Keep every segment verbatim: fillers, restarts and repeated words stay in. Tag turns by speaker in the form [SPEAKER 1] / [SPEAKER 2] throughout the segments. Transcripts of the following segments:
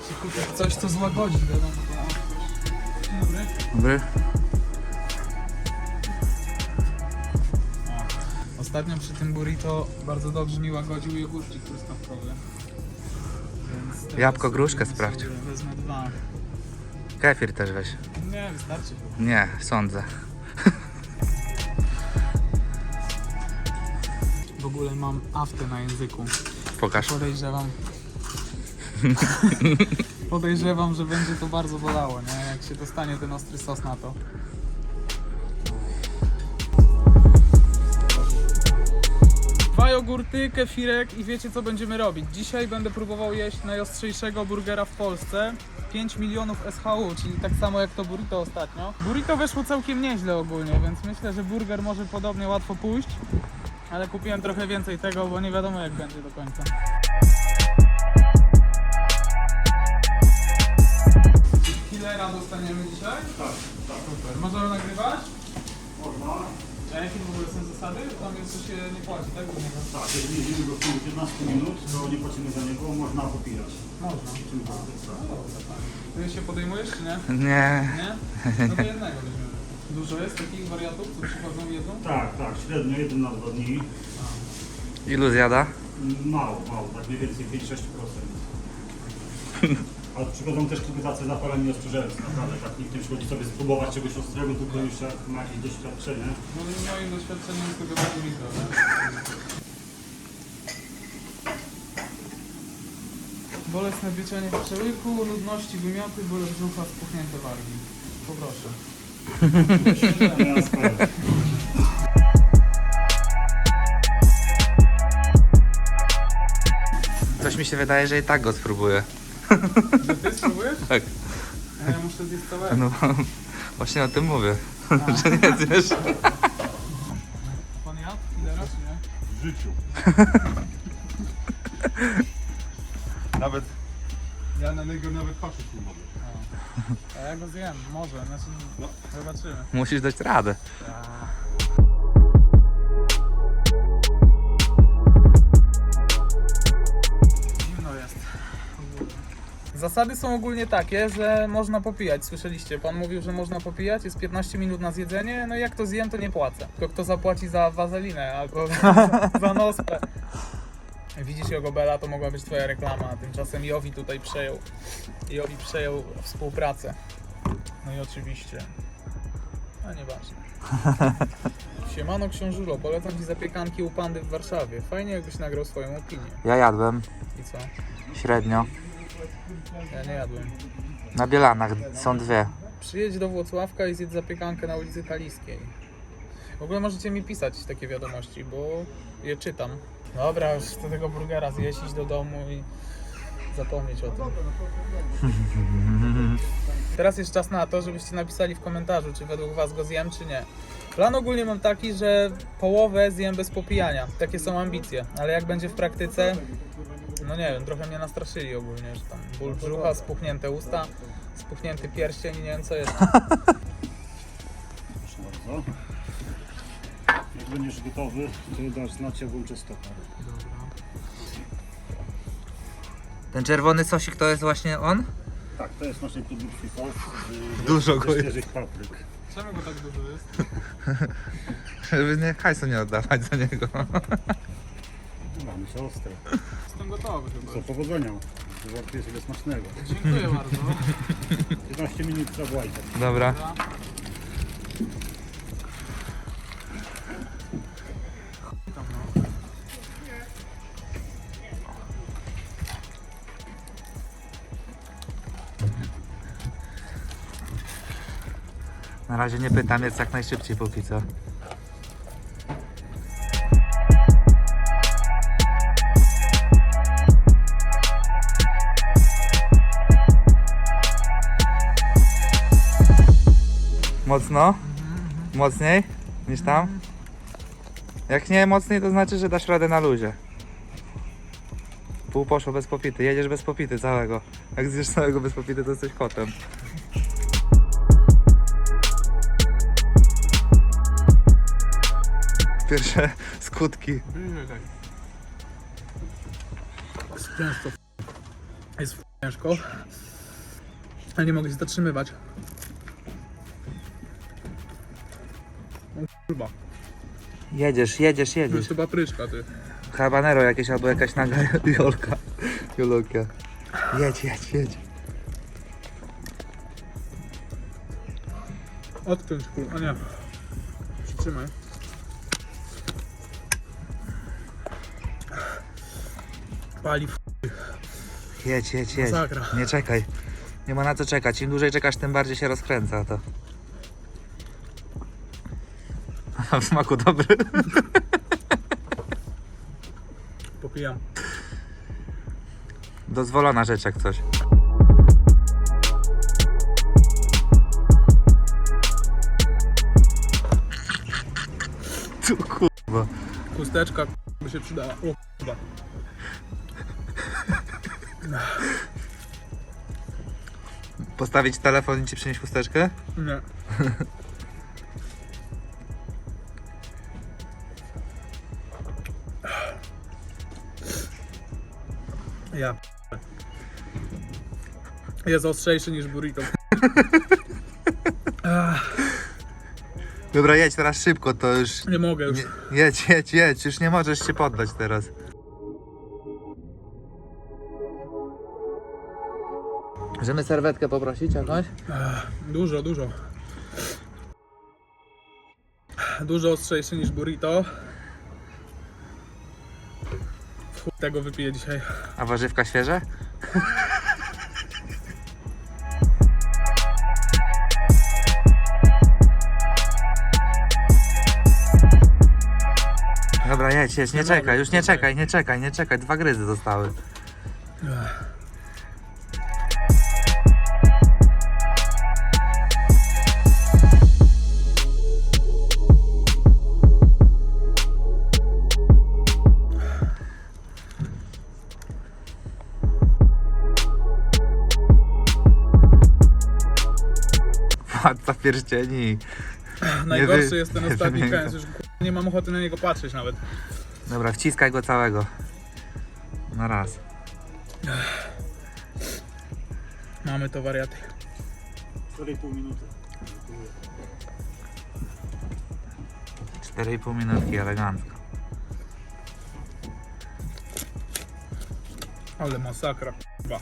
[SPEAKER 1] Czy kupić coś, co złagodzi, wiadomo. Dzień dobry.
[SPEAKER 2] Dobry.
[SPEAKER 1] Ostatnio przy tym burrito bardzo dobrze mi łagodził jogurcik truskawkowy. Więc teraz
[SPEAKER 2] Jabłko, gruszkę
[SPEAKER 1] sobie
[SPEAKER 2] sprawdź.
[SPEAKER 1] Wezmę dwa.
[SPEAKER 2] Kefir też weź.
[SPEAKER 1] Nie, wystarczy chyba.
[SPEAKER 2] Nie, sądzę.
[SPEAKER 1] W ogóle mam aftę na języku.
[SPEAKER 2] Pokaż.
[SPEAKER 1] Podejrzewam. Podejrzewam, że będzie to bardzo bolało, nie? Jak się dostanie ten ostry sos na to. Dwa jogurty, kefirek i wiecie co będziemy robić. Dzisiaj będę próbował jeść najostrzejszego burgera w Polsce. pięć milionów S H U, czyli tak samo jak to burrito ostatnio. Burrito weszło całkiem nieźle ogólnie, więc myślę, że burger może podobnie łatwo pójść. Ale kupiłem trochę więcej tego, bo nie wiadomo jak będzie do końca. Killera dostaniemy dzisiaj?
[SPEAKER 3] Tak, tak.
[SPEAKER 1] Super. Możemy nagrywać?
[SPEAKER 3] Można.
[SPEAKER 1] A jakie w ogóle są zasady? Tam jest, że się nie płaci, tak? Do niego?
[SPEAKER 3] Tak, jeżeli jedziemy go w ciągu piętnastu minut, to nie płacimy za niego, można popijać.
[SPEAKER 1] Można.
[SPEAKER 3] Czym to jest, tak.
[SPEAKER 1] No dobra, fajnie. Ty się podejmujesz, czy nie?
[SPEAKER 2] Nie.
[SPEAKER 1] Nie? No to jednego weźmiemy. Dużo jest takich wariatów, co przychodzą i jedzą?
[SPEAKER 3] Tak, tak, średnio jeden na dwa dni.
[SPEAKER 2] Ilu zjada?
[SPEAKER 3] Mało, mało, tak mniej więcej pięć do sześciu procent. Ale przychodzą też kiedy tacy zapaleni ostrzeżeńcy, naprawdę, tak nikt nie przychodzi sobie spróbować czegoś ostrego, tylko już jak ma jakieś doświadczenie.
[SPEAKER 1] No i moim doświadczeniem jest tego bardzo blisko, tak? Bolesne pieczenie w przełyku, nudności, wymioty, ból brzucha, spuchnięte wargi. Poproszę.
[SPEAKER 3] Ja sprawdzę.
[SPEAKER 2] Coś mi się wydaje, że i tak go spróbuję.
[SPEAKER 1] Że ty spróbujesz?
[SPEAKER 2] Tak.
[SPEAKER 1] A ja muszę zjeść całego.
[SPEAKER 2] No właśnie o tym mówię. Że nie zjesz.
[SPEAKER 1] Pan jadł? Ile raz, nie?
[SPEAKER 3] W życiu. Nawet, ja na niego nawet patrzeć nie mogę.
[SPEAKER 1] A ja go zjem, może, znaczy
[SPEAKER 3] No.
[SPEAKER 1] zobaczymy.
[SPEAKER 2] Musisz dać radę.
[SPEAKER 1] Zimno jest. Zasady są ogólnie takie, że można popijać, słyszeliście, pan mówił, że można popijać, jest piętnaście minut na zjedzenie, no i jak to zjem, to nie płacę. Tylko kto zapłaci za wazelinę albo za nospę. Widzisz Jogobela, to mogła być twoja reklama, a tymczasem Jowi tutaj przejął. Jowi przejął współpracę. No i oczywiście, a nieważne. Siemano książulo, polecam ci zapiekanki u Pandy w Warszawie. Fajnie jakbyś nagrał swoją opinię.
[SPEAKER 2] Ja jadłem
[SPEAKER 1] I co?
[SPEAKER 2] średnio.
[SPEAKER 1] Ja nie jadłem.
[SPEAKER 2] Na Bielanach są dwie.
[SPEAKER 1] Przyjedź do Włocławka i zjedz zapiekankę na ulicy Kaliskiej. W ogóle możecie mi pisać takie wiadomości, bo je czytam. Dobra, już chcę tego burgera zjeść, iść do domu i zapomnieć o tym. Teraz jest czas na to, żebyście napisali w komentarzu, czy według was go zjem, czy nie. Plan ogólnie mam taki, że połowę zjem bez popijania. Takie są ambicje, ale jak będzie w praktyce, no nie wiem, trochę mnie nastraszyli ogólnie, że tam ból brzucha, spuchnięte usta, spuchnięty pierścień i nie wiem co jest.
[SPEAKER 3] Proszę bardzo. Jak będziesz gotowy, to dasz znać, ja włączę stoper.
[SPEAKER 2] Ten czerwony sosik to jest właśnie on?
[SPEAKER 3] Tak, to jest naszej produkcji sos.
[SPEAKER 2] Dużo go jest.
[SPEAKER 3] Świeżych papryk.
[SPEAKER 1] Czemu go tak dużo jest?
[SPEAKER 2] Żeby nie hajsu nie oddawać za niego.
[SPEAKER 3] Mamy się ostre.
[SPEAKER 1] Jestem gotowy chyba.
[SPEAKER 3] Co, powodzenia. Żartuję sobie smacznego.
[SPEAKER 1] Dziękuję bardzo.
[SPEAKER 3] piętnaście minut zawołajcie.
[SPEAKER 2] Dobra.
[SPEAKER 1] Dobra. Tam, no.
[SPEAKER 2] Na razie nie pytam, jest jak najszybciej póki co. Mocno? Mocniej niż tam? Jak nie mocniej, to znaczy, że dasz radę na luzie. Pół poszło bez popity, jedziesz bez popity całego. Jak zjesz całego bez popity, to jesteś kotem. Pierwsze skutki.
[SPEAKER 1] Bliżej tak. Często. Jest ciężko. Ale nie mogę się zatrzymywać. O kurwa,
[SPEAKER 2] Jedziesz, jedziesz,
[SPEAKER 1] to jest
[SPEAKER 2] jedziesz.
[SPEAKER 1] chyba pryczka, ty.
[SPEAKER 2] Habanero jakieś albo jakaś naga Jolka. Jolka. Jedź, jedź, jedź.
[SPEAKER 1] Odkręć kurwa, a nie. Przytrzymaj. Pali w
[SPEAKER 2] Jedź, jedź, jedź.
[SPEAKER 1] Masakra.
[SPEAKER 2] Nie czekaj. Nie ma na co czekać. Im dłużej czekasz, tym bardziej się rozkręca to. W smaku dobry.
[SPEAKER 1] popijam.
[SPEAKER 2] Dozwolona rzecz jak coś. Tu kurwa.
[SPEAKER 1] Chusteczka by się przydała. O kurwa.
[SPEAKER 2] Postawić telefon i ci przynieść chusteczkę?
[SPEAKER 1] Nie. Ja p- Jest ostrzejszy niż burrito. Ach,
[SPEAKER 2] Dobra, jedź teraz szybko, to już...
[SPEAKER 1] nie mogę już.
[SPEAKER 2] Nie, jedź, jedź, jedź. Już nie możesz się poddać teraz. Możemy serwetkę poprosić jakąś?
[SPEAKER 1] Ach, Dużo, dużo. Dużo ostrzejszy niż burrito. W chuj tego wypiję dzisiaj.
[SPEAKER 2] A warzywka świeże? Dobra, jedź, jedź, nie
[SPEAKER 1] Nie
[SPEAKER 2] czekaj,
[SPEAKER 1] mogę,
[SPEAKER 2] już nie
[SPEAKER 1] tutaj.
[SPEAKER 2] czekaj, nie czekaj, nie czekaj, dwa gryzy zostały.
[SPEAKER 1] Ach.
[SPEAKER 2] Władca pierścieni.
[SPEAKER 1] Najgorszy
[SPEAKER 2] wy-
[SPEAKER 1] jest ten
[SPEAKER 2] nie
[SPEAKER 1] ostatni
[SPEAKER 2] wymiękam.
[SPEAKER 1] kęs, już k***a, nie mam ochoty na niego patrzeć nawet.
[SPEAKER 2] Dobra, wciskaj go całego. Na raz.
[SPEAKER 1] Mamy to wariaty.
[SPEAKER 3] cztery i pół minuty.
[SPEAKER 2] cztery i pół minutki, elegancko.
[SPEAKER 1] Ale masakra, k***a.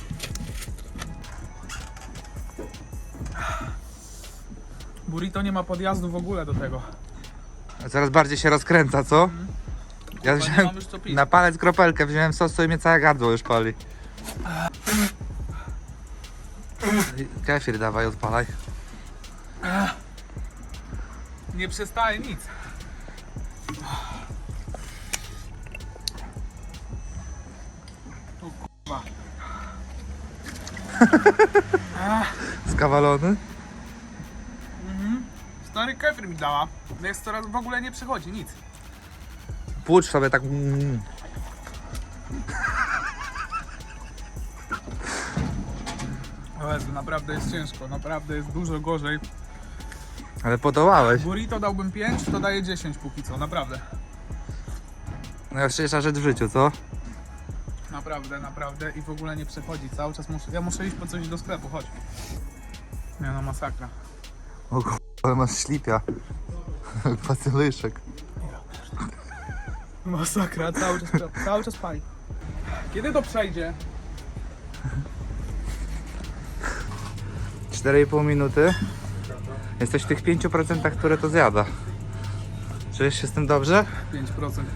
[SPEAKER 1] Burrito nie ma podjazdu w ogóle do tego.
[SPEAKER 2] Coraz bardziej się rozkręca, co? Ja
[SPEAKER 1] Chyba nie
[SPEAKER 2] wziąłem
[SPEAKER 1] mam już co pić.
[SPEAKER 2] na palec kropelkę, wziąłem sos, i mnie całe gardło już pali. Kefir dawaj, odpalaj.
[SPEAKER 1] Nie przestaje nic. O kurwa.
[SPEAKER 2] Skawalony?
[SPEAKER 1] Stary kefir mi dała. Jest coraz w ogóle nie przychodzi, nic.
[SPEAKER 2] Płucz sobie tak. Mm.
[SPEAKER 1] O Jezu, naprawdę jest ciężko, naprawdę jest dużo gorzej.
[SPEAKER 2] Ale podołałeś.
[SPEAKER 1] Burrito dałbym pięć, to daje dziesięć póki co, naprawdę.
[SPEAKER 2] Najważniejsza rzecz w życiu, co?
[SPEAKER 1] Naprawdę, naprawdę i w ogóle nie przechodzi. Cały czas muszę, ja muszę iść po coś do sklepu, chodź. Nie no, masakra.
[SPEAKER 2] O k***, ale masz ślipia. Pacylyszek.
[SPEAKER 1] Masakra, cały czas, cały czas pali. Kiedy to przejdzie?
[SPEAKER 2] cztery i pół minuty. Jesteś w tych pięciu procentach, które to zjada. Czujesz się z tym dobrze?
[SPEAKER 1] pięć procent.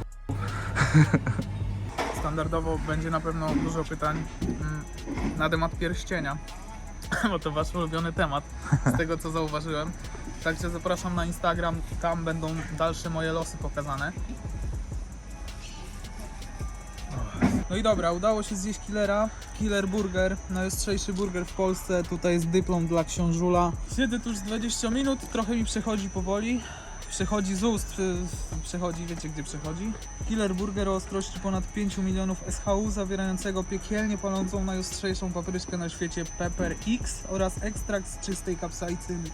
[SPEAKER 1] Standardowo będzie na pewno dużo pytań mm, na temat pierścienia, bo to wasz ulubiony temat, z tego co zauważyłem. Także zapraszam na Instagram, tam będą dalsze moje losy pokazane. No i dobra, udało się zjeść killera, killer burger, najostrzejszy burger w Polsce, tutaj jest dyplom dla książula. Siedzę tu już z dwadzieścia minut, trochę mi przechodzi powoli, przechodzi z ust, y, przechodzi, wiecie gdzie przechodzi. Killer burger o ostrości ponad pięć milionów S H U, zawierającego piekielnie palącą najostrzejszą papryczkę na świecie Pepper X oraz ekstrakt z czystej kapsaicyny.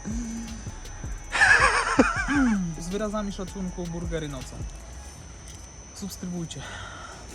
[SPEAKER 1] Z wyrazami szacunku burgery nocą. Subskrybujcie.